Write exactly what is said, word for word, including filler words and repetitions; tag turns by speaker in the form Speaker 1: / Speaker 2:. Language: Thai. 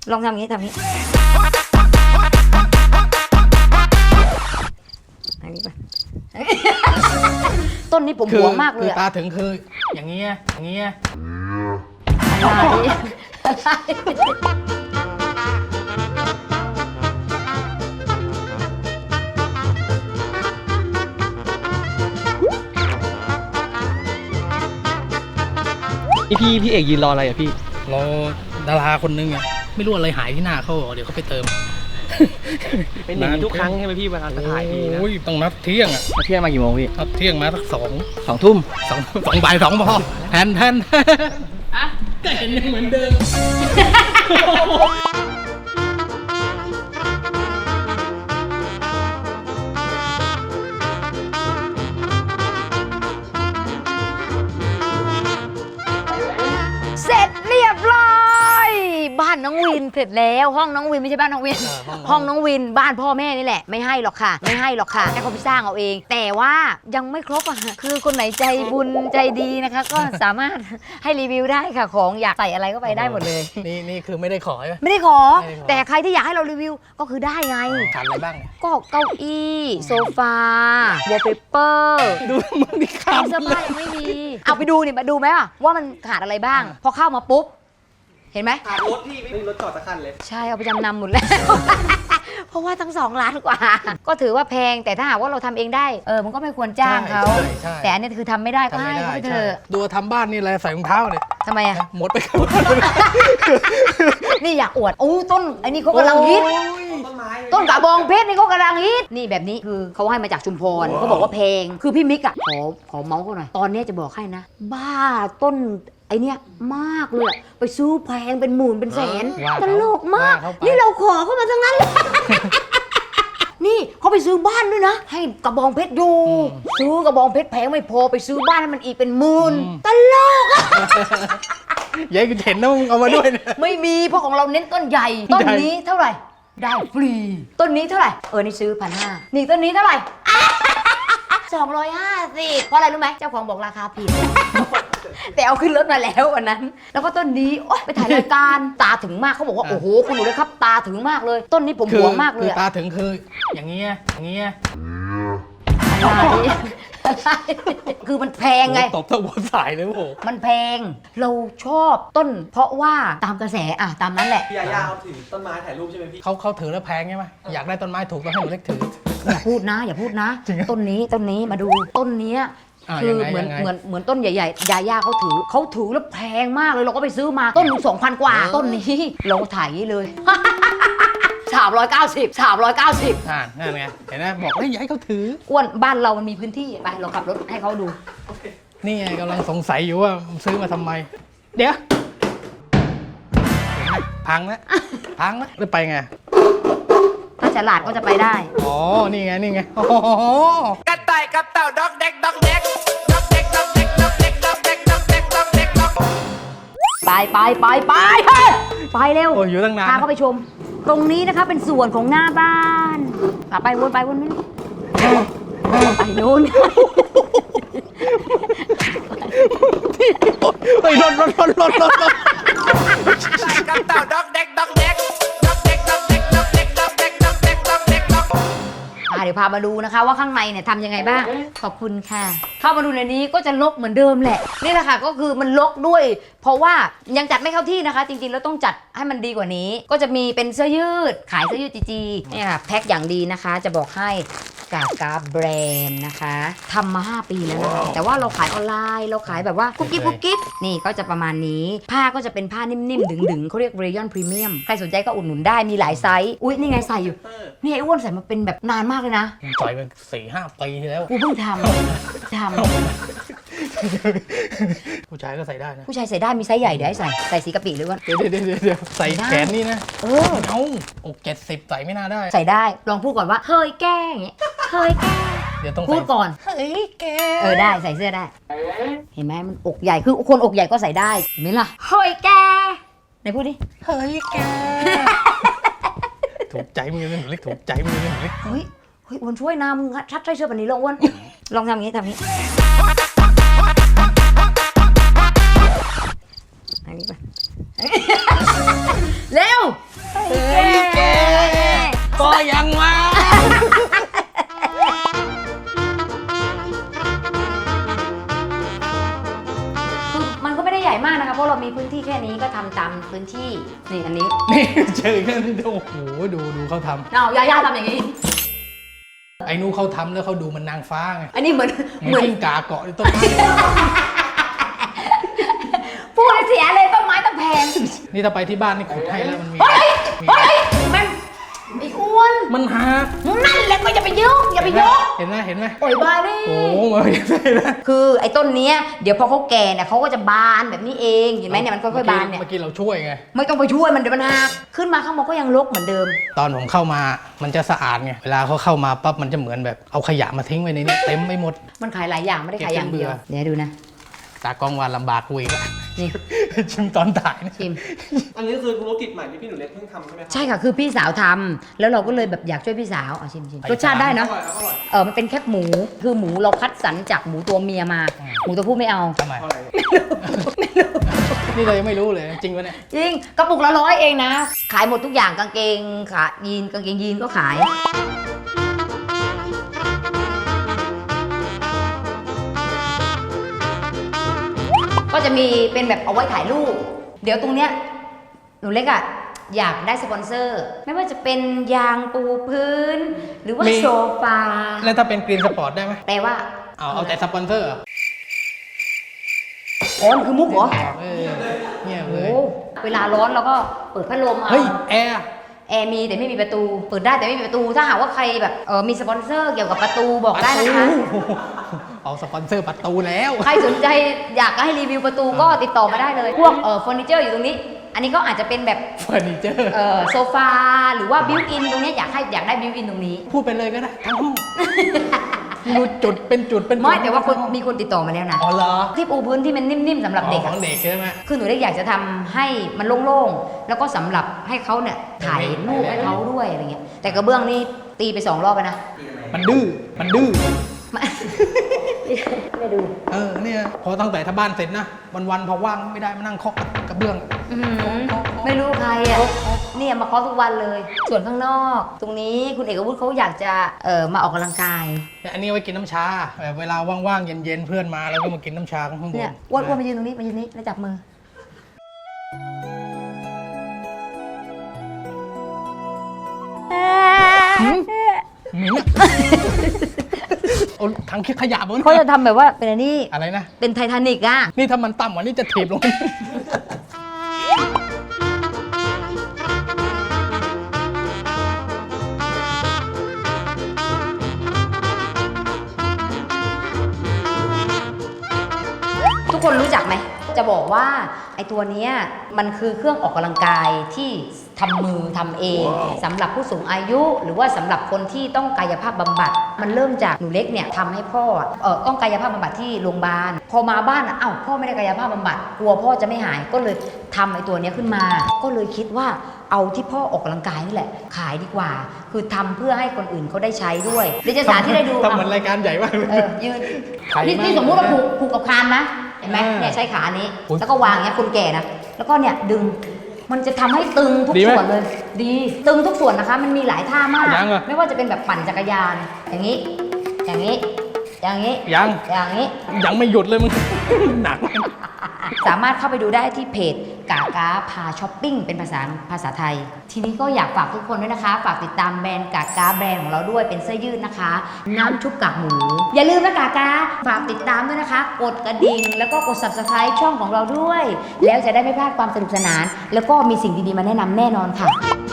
Speaker 1: ลองทำอย่างนี้ทำอย่างนี้อันนี้ไปต้นนี้ผมหวงมากเลย
Speaker 2: คือตาถึงคืออย่างเงี้ยอย่างเงี้ย
Speaker 3: นี่พี่พี่เอกยืนรออะไรอ่ะพี่
Speaker 2: รอดาราคนนึงอ่ะไม่รู้อะไรหายที่หน้าเขาเดี๋ยวเขาไปเติม
Speaker 3: เป็นอย่างนี้ทุกครั้งใช่ไหมพี่เวลาถ่ายพี่นะ
Speaker 2: โอ้ยต้องนัดเที่ยงอ่ะ
Speaker 3: เที่ยงมากี่โมงพี่
Speaker 2: นัดเที่ยงมาสักสอง
Speaker 3: สองทุ่ม
Speaker 2: สองสองบ่ายสองพอแทนแทนอะก็เห็นยังเหมือนเดิม
Speaker 1: เสร็จเรียบร้อยบ้านน้องวินเสร็จแล้วห้องน้องวินไม่ใช่บ้านน้องวินห้องน้องวินบ้านพ่อแม่นี่แหละไม่ให้หรอกค่ะไม่ให้หรอกค่ะให้เขาไปสร้างเอาเองแต่ว่ายังไม่ครบอ่ะคือคนไหนใจบุญใจดีนะคะก็สามารถให้รีวิวได้ค่ะของอยากใส่อะไรก็ไปได้หมดเลย
Speaker 2: นี่นี่คือไม่ได้ขอใช่ไหม
Speaker 1: ไม่ได้ขอแต่ใครที่อยากให้เรารีวิวก็คือได้ไง
Speaker 2: ขาดอะไรบ้าง
Speaker 1: ก็เก้าอี้โซฟาวอลเปเปอร์
Speaker 2: ดูมึงดิขาด
Speaker 1: เสื้อผ้ายังไม่มีเอาไปดูนี่มาดูไหมว่ามันขาดอะไรบ้างพอเข้ามาปุ๊บเห็นไหม
Speaker 3: ขาดรถพี่ไม่มีรถจอดสักคันเลย
Speaker 1: ใช่เอาไปจำนำหมดแล้ว เพราะว่าทั้งสองล้านกว่าก็ถือว่าแพงแต่ถ้าหากว่าเราทำเองได้เออมันก็ไม่ควรจ้างเขาแต่อันนี้คือทำไม่ได้ก็ให้เขาไปเถอะ
Speaker 2: ดูทำบ้านนี่อะไรใส่รองเท้าเลย
Speaker 1: ทำไมอะ
Speaker 2: หมดไป
Speaker 1: นี่อยากอวดโอ้ต้นไอ้นี่เขากำลังฮิตต้นกระบองเพชรนี่เขากำลังฮิตนี่แบบนี้คือเขาให้มาจากชุมพรเขาบอกว่าแพงคือพี่มิกอะขอขอเมาส์เขาหน่อยตอนนี้จะบอกให้นะบ้าต้นไอเนี้ยมากเลยไปซื้อแพงเป็นหมื่นเป็นแสนตลกมากนี่เราขอเข้ามาทั้งนั้นเลยนี่เขาไปซื้อบ้านด้วยนะให้กระบองเพชรอยู่ซื้อกระบองเพชรแพงไม่พอไปซื้อบ้านให้มันอีกเป็นหมื่นตลกอะ
Speaker 2: ยายคุณเห็นนะมึงเอามาด้วยนะ
Speaker 1: ไม่มีเพราะของเราเน้นต้นใหญ่ต้นนี้เท่าไหร่ได้ฟรีต้นนี้เท่าไหร่เออนี่ซื้อพันห้านี่ต้นนี้เท่าไหร่สองร้อยห้าสิบเพราะอะไรรู้ไหมเจ้าของบอกราคาผิดแต่เอาขึ้นรถมาแล้ววันนั้นแล้วก็ต้นนี้โอ๊ยไปถ่ายรายการตาถึงมากเขาบอกว่าโอ้โหคุณหนูเลยครับตาถึงมากเลยต้นนี้ผมหวงมากเลย
Speaker 2: ตาถึงคืออย่างเงี้ยอย่างเงี้ย
Speaker 1: คือมันแพงไง
Speaker 2: ตบทั้งบนสายเลยโอ้โห
Speaker 1: มันแพงเราชอบต้นเพราะว่าตามกระแสอ่ะตามนั้นแหละ
Speaker 3: พี่ยาย่าเขาถือต้นไม้ถ่ายรูปใช่ไหมพี่
Speaker 2: เขาเขาถือแล้วแพงใช่ไหมอยากได้ต้นไม้ถูกต้องให้หนูเล็กถือ
Speaker 1: อย่าพูดนะอย่าพูดนะต้นนี้ต้นนี้มาดูต้นนี้คือเหมือนเหมือนเหมือนต้นใหญ่ๆยาย่าเขาถือเขาถือแล้วแพงมากเลยเราก็ไปซื้อมาต้นหนึ่งสองพันกว่าต้นนี้เราถ่ายนี้เลยสามร้อยเก้าสิบสามร้อยเก้าสิบ
Speaker 2: อ่านั่นไงเห็นไหมบอกให้ย้ายเขาถือ
Speaker 1: อ้วนบ้านเรามันมีพื้นที่ไปเราขับรถให้เขาดู
Speaker 2: นี่ไงกำลังสงสัยอยู่ว่าซื้อมาทำไมเดี๋ยวพังแล้วพังแล้วจะไปไง
Speaker 1: ถ้าฉลาดก็จะไปได้
Speaker 2: อ๋อนี่ไงนี่ไงโอ้
Speaker 4: กระต่ายกับเต่าดอกเด็กดอกเด็กดอกเด็กดอกเด็กดอกเด็กดอกเด็กดอกเด็กดอกเด็กดอก
Speaker 1: ไปไปไปไปไปเร็ว
Speaker 2: โอ้ยอยู่ตั้งนาน
Speaker 1: พาเขาไปชมตรงนี้นะคะเป็นส่วนของหน้าบ้านไปวนไปวนไปนู้น
Speaker 2: ไปรถรถรถรถรถ
Speaker 4: กับเต่าดอกเด็กดอกเด็กดอกเด็กดอกเด็กดอกเด็กดอกเด็กดอกเด็กดอกเด็กดอก
Speaker 1: เดี๋ยวพามาดูนะคะว่าข้างในเนี่ยทำยังไงบ้างขอบคุณค่ะเข้ามาดูในนี้ก็จะรกเหมือนเดิมแหละนี่แหละค่ะก็คือมันรกด้วยเพราะว่ายังจัดไม่เข้าที่นะคะจริงๆแล้วต้องจัดให้มันดีกว่านี้ก็จะมีเป็นเสื้อยืดขายเสื้อยืดจีจีเนี่ยค่ะแพ็คอย่างดีนะคะจะบอกให้กากาแบรนด์นะคะทำมาห้าปีแล้วนะแต่ว่าเราขายออนไลน์เราขายแบบว่ากุ๊กกิ๊บกุ๊กกิ๊บนี่ก็จะประมาณนี้ผ้าก็จะเป็นผ้านิ่มๆดึงๆเขาเรียกเรยอนพรีเมียมใครสนใจก็อุดหนุนได้มีหลายไซส์อุ๊ยนี่ไงใส่อยู่นี่ไอ้อ้วนใส่มาเป็นแบบนานมากเลยนะ
Speaker 2: ใส่เป็นสี่ห้าปีแล้ว
Speaker 1: กูเพิ่งทำทำ
Speaker 2: ผู้ชายก็ใส่ได้นะ
Speaker 1: ผู้ชายใส่ได้มีไซส์ใหญ่เดี๋ยวให้ใส่ใส่สีกะปิหรือว่า
Speaker 2: เดี๋ยวเดี๋ยวเดี๋ยวใส่แขนนี่นะ
Speaker 1: เออ
Speaker 2: เอาอกเจ็ดสิบใส่ไม่น่าได้
Speaker 1: ใส่ได้ลองพูดก่อนว่าเฮ้ยแกอย่างเงี้ยเฮ้ยแก
Speaker 2: เดี๋ยวต้อง
Speaker 1: พูดก่อน
Speaker 2: เฮ้ยแก
Speaker 1: เออได้ใส่เสื้อได้เห็นไหมมันอกใหญ่คือคนอกใหญ่ก็ใส่ได้เห็นไหมล่ะเฮ้ยแกไหนพูดดิ
Speaker 2: เฮ้ยแกถูกใจมึงเลยหนูเล็กถูกใจมึงเลยหนูเล็ก
Speaker 1: เฮ้ยเฮ้ยอ้วนช่วยนะมึงชัดใส่เสื้อแบบนี้ลองอ้วนลองทำอย่างนี้ทำอย่างนี้อันนี้ไปเร็ว
Speaker 2: ยังวะ
Speaker 1: คือมันก็ไม่ได้ใหญ่มากนะคะเพราะเรามีพื้นที่แค่นี้ก็ทำตามพื้นที่นี่อันนี้
Speaker 2: นี่เจอกันโอ้โหดูดูเขาท
Speaker 1: เอาย่าย่าทำอย่างนี้
Speaker 2: ำไอ้นู้เขาทำแล้วเขาดูมันนางฟ้าไง
Speaker 1: อันนี้เหมือน
Speaker 2: เหมือนกิ้งก่าเกาะในต้นไม้
Speaker 1: พูดเสียเลยต้นไม้ต้องแพง
Speaker 2: นี่ถ้าไปที่บ้านนี่ขุดให้แล้วมันมี
Speaker 1: เฮ้ย
Speaker 2: มี
Speaker 1: เฮ้ยมันไอ้อ้วน
Speaker 2: มันหัก
Speaker 1: นั่นแหละก็อย่าไปยกอย่าไปยก
Speaker 2: เห็นไหมเห็นไหม
Speaker 1: โอ้ยบ้าดิ
Speaker 2: โอ้โหมันไม่ใช่นะ
Speaker 1: คือไอ้ต้นเนี้ยเดี๋ยวพอเขาแก่เนี่ยเขาก็จะบานแบบนี้เองเห็นไหมเนี่ยมันค่อยๆบานเนี่ย
Speaker 2: เมื่อกี้เราช่วยไง
Speaker 1: ไม่ต้องไปช่วยมันเดี๋ยวมันหักขึ้นมาข้างบนก็ยังรกเหมือนเดิม
Speaker 2: ตอนผมเข้ามามันจะสะอาดไงเวลาเขาเข้ามาปั๊บมันจะเหมือนแบบเอาขยะมาทิ้งไว้ในนี้เต็มไปหมด
Speaker 1: มันขายหลายอย่างไม่ได้ขายอย่างเดียว
Speaker 2: เก็บจนเบื่อ
Speaker 1: เดี๋ยวดูนะ
Speaker 2: ตากล้องวานลำบากกูอีกอะ
Speaker 1: นี่
Speaker 2: ชิมตอนถ่ายนะ
Speaker 1: ชิม
Speaker 3: อันนี้คือธุรกิจใหม่ที่พี่หนูเล็กเพิ่งทำใช่ไหมครั
Speaker 1: ใช่ค่ะคือพี่สาวทำแล้วเราก็เลยแบบอยากช่วยพี่สาวเอาชิมชิมรสชาติได้
Speaker 3: อ
Speaker 1: เนาะ
Speaker 3: ร่อยครับอร่อย
Speaker 1: เออมันเป็นแคบหมูคือหมูเราคัดสรรจากหมูตัวเมียมา หมูตัวผู้ไม่เอา
Speaker 2: ทำไม
Speaker 3: อร่อย
Speaker 2: นี่เรายังไม่รู้เลยจริงปะเนี่ย
Speaker 1: จริงกระปุกละร้อยเองนะ ขายหมดทุกอย่างกางเกงขายีนกางเกงยีนก็ขาย ก็จะมีเป็นแบบเอาไว้ถ่ายรูป เดี๋ยวตรงเนี้ยหนูเล็กอะอยากได้สปอนเซอร์ ไม่ว่าจะเป็นยางปูพื้น หรือว่า
Speaker 2: มี
Speaker 1: โซฟา
Speaker 2: แล้วถ้าเป็นกรีนสปอร์ตได้ไหม
Speaker 1: แปลว่า
Speaker 2: เอาเอาแต่สปอนเซอร์เหรอ
Speaker 1: อ๋อมันคือมุกเหรอ
Speaker 2: เออเงียบเล
Speaker 1: โอ้
Speaker 2: ย
Speaker 1: เวลาร้อนเราก็เปิดพัดลมเอา
Speaker 2: เฮ้ยแอร์
Speaker 1: แอร์มีแต่ไม่มีประตู เปิดได้แต่ไม่มีประตู ถ้าหากว่าใครแบบเออมีสปอนเซอร์เกี่ยวกับประตูบอกได้นะคะ
Speaker 2: เอาสปอนเซอร์ประตูแล้ว
Speaker 1: ใครสนใจอยากให้รีวิวประตูก็ติดต่อมาได้เลย พวกเออเฟอร์นิเจอร์อยู่ตรงนี้ อันนี้ก็อาจจะเป็นแบบ
Speaker 2: เฟอร์นิเจอร์
Speaker 1: เออโซฟาหรือว่าบิวอินตรงเนี้ยอยากให้อยากได้บิวอินตรงนี้
Speaker 2: พูดไปเลยก็ได้ทั้งห้องดูจุดเป็นจุดเป็นจุด
Speaker 1: ไม่แต่ว่าคนมีคนติดต่อมาแล้วนะ
Speaker 2: อ๋อเหรอ
Speaker 1: ที่ปูพื้นที่มันนิ่มๆสำหรับเด็ก
Speaker 2: ข
Speaker 1: อะ
Speaker 2: องเด็กใช่ไหม
Speaker 1: คือหนูได้อยากจะทำให้มันโล่งๆ แล้วก็สำหรับให้เขาเนี่ยถ่ายรูปให้เขาด้วยอะไรเงี้ย แต่กระเบื้องนี่ตีไปสองรอบแล้วนะ
Speaker 2: มันดื้อมันดื้อ
Speaker 1: ไม่ ไม่ดู
Speaker 2: เออเนี่ยพอตั้งแต่ถ้าบ้านเสร็จนะวันๆพอว่างไม่ได้มานั่งเคาะกระเบื้อง
Speaker 1: อื้อหือไม่รู้ใครอ่ะเนี่ยมาเคาะทุกวันเลย ส่วนข้างนอก ตรงนี้คุณเอกวุฒิเขาอยากจะเอ่อมาออกกำลังกาย
Speaker 2: เนี่ยอันนี้ไว้กินน้ำชาแบบเวลาว่างๆเย็นๆเพื่อนมาเราก็มากินน้ำชาข้างบน
Speaker 1: เนี่ยอ้วนอ้วนมายืนตรงนี้มายืนนี้แล้วจับมือ
Speaker 2: หืมหมิ่นอะโอ้ถังคิดขยะบน
Speaker 1: เขาจะทำแบบว่าเป็นอันนี้
Speaker 2: อะไรนะ
Speaker 1: เป็นไททานิกอ่ะ
Speaker 2: นี่ถ้ามันต่ำกว่านี้จะถีบลง
Speaker 1: ทุกคนรู้จักไหม จะบอกว่าไอ้ตัวเนี้ยมันคือเครื่องออกกำลังกายที่ทำมือทำเองสำหรับผู้สูงอายุ หรือว่าสำหรับคนที่ต้องกายภาพบำบัด มันเริ่มจากหนูเล็กเนี่ยทำให้พ่อเออต้องกายภาพบำบัดที่โรงพยาบาลพอมาบ้านอ่ะอ้าวพ่อไม่ได้กายภาพบำบัดกลัวพ่อจะไม่หายก็เลยทำไอ้ตัวเนี้ยขึ้นมา ก็เลยคิดว่าเอาที่พ่อออกกำลังกายนี่แหละ ขายดีกว่า คือทำเพื่อให้คนอื่นเขาได้ใช้ด้วยเดี๋ยวจะสาธิตให้ดู
Speaker 2: ทำเหมือนรายการใหญ่มากเลย
Speaker 1: เออยืน
Speaker 2: ขายดี
Speaker 1: นี่
Speaker 2: มาก
Speaker 1: นี่สมมติว่าผูกผูกกับคานนะเห็นไหม
Speaker 2: อ่า
Speaker 1: เนี่ยใช้ขานี้
Speaker 2: อุ๊ย
Speaker 1: แล้วก็วางอย่างเงี้ยคนแก่นะแล้วก็เนี่ยดึงมันจะทำให้ตึงทุก
Speaker 2: ดีไหม
Speaker 1: ส่วนเลย ดีตึงทุกส่วนนะคะ มันมีหลายท่ามาก
Speaker 2: ยังเหรอ
Speaker 1: ไม่ว่าจะเป็นแบบปั่นจักรยาน อย่างนี้ อย่างนี้ อย่างนี้
Speaker 2: ยัง
Speaker 1: อย่างนี้
Speaker 2: ยังไม่หยุดเลยมึง หนัก
Speaker 1: สามารถเข้าไปดูได้ที่เพจกากาพาช้อปปิ้งเป็นภาษาภาษาไทย ทีนี้ก็อยากฝากทุกคนด้วยนะคะ ฝากติดตามแบรนด์กากาแบรนด์ของเราด้วยเป็นเสื้อยืดนะคะ น้ำชุบกากหมู อย่าลืมนะกากาฝากติดตามด้วยนะคะ กดกระดิ่งแล้วก็กด ซับสไครบ์ ช่องของเราด้วย แล้วจะได้ไม่พลาดความสนุกสนาน แล้วก็มีสิ่งดีๆมาแนะนำแน่นอนค่ะ